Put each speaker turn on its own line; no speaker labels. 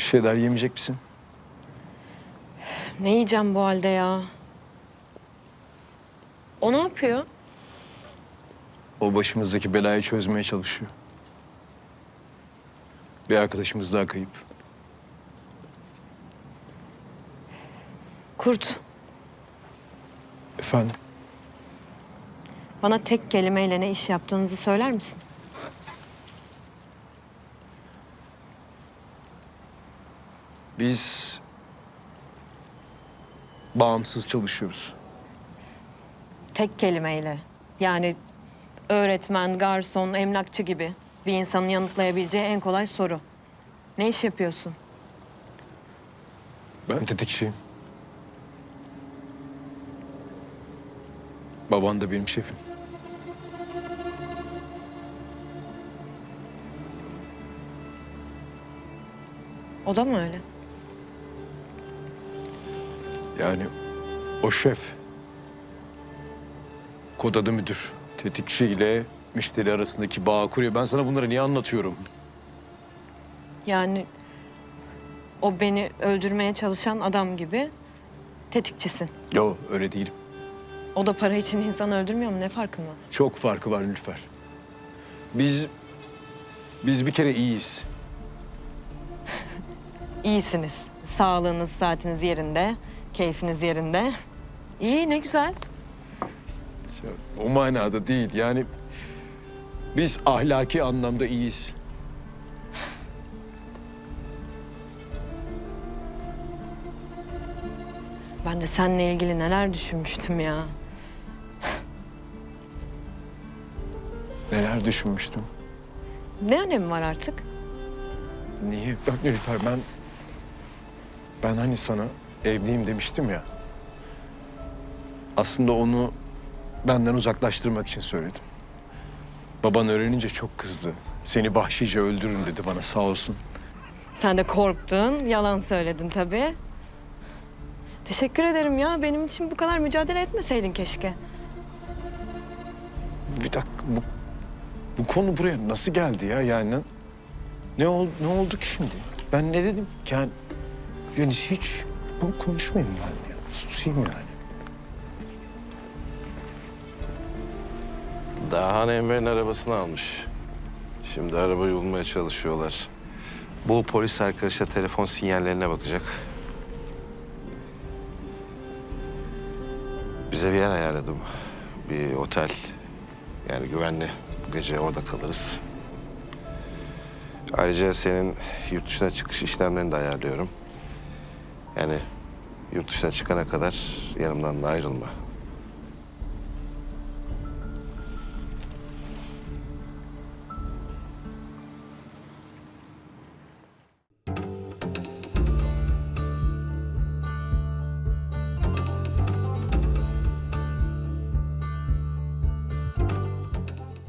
şeyler yemeyecek misin?
Ne yiyeceğim bu halde ya? O ne yapıyor?
O başımızdaki belayı çözmeye çalışıyor. Bir arkadaşımız daha kayıp.
Kurt,
Efendim?
bana tek kelimeyle ne iş yaptığınızı söyler misin?
Biz bağımsız çalışıyoruz.
Tek kelimeyle. Yani öğretmen, garson, emlakçı gibi bir insanın yanıtlayabileceği en kolay soru. Ne iş yapıyorsun?
Ben tetikçiyim. Baban da benim şefim.
O da mı öyle?
Yani o şef. Kod adı müdür. Tetikçi ile müşteri arasındaki bağı kuruyor. Ben sana bunları niye anlatıyorum?
Yani o beni öldürmeye çalışan adam gibi tetikçisin.
Yo, öyle değilim.
O da para için insan öldürmüyor mu? Ne farkın var?
Çok farkı var Nilüfer. Biz bir kere iyiyiz.
İyisiniz. Sağlığınız, saatiniz yerinde, keyfiniz yerinde. İyi, ne güzel.
O manada değil. Yani biz ahlaki anlamda iyiyiz.
Ben de seninle ilgili neler düşünmüştüm ya.
Neler düşünmüştüm.
Ne önemi var artık?
Niye? Bak Nilüfer, ben hani sana evliyim demiştim ya. Aslında onu benden uzaklaştırmak için söyledim. Baban öğrenince çok kızdı. Seni vahşice öldürün dedi bana, sağ olsun.
Sen de korktun, yalan söyledin tabii. Teşekkür ederim ya. Benim için bu kadar mücadele etmeseydin keşke.
Bir dakika, bu konu buraya nasıl geldi ya? Yani ne oldu ki şimdi? Ben ne dedim ki? Yani hiç bunu konuşmayayım ben ya. Susayım yani.
Dahan Emre'nin arabasını almış. Şimdi arabayı bulmaya çalışıyorlar. Bu polis arkadaşa telefon sinyallerine bakacak. Bize bir yer ayarladım. Bir otel. Yani güvenli. Bu gece orada kalırız. Ayrıca senin yurt dışına çıkış işlemlerini de ayarlıyorum. Yani yurt dışına çıkana kadar yanımdan da ayrılma.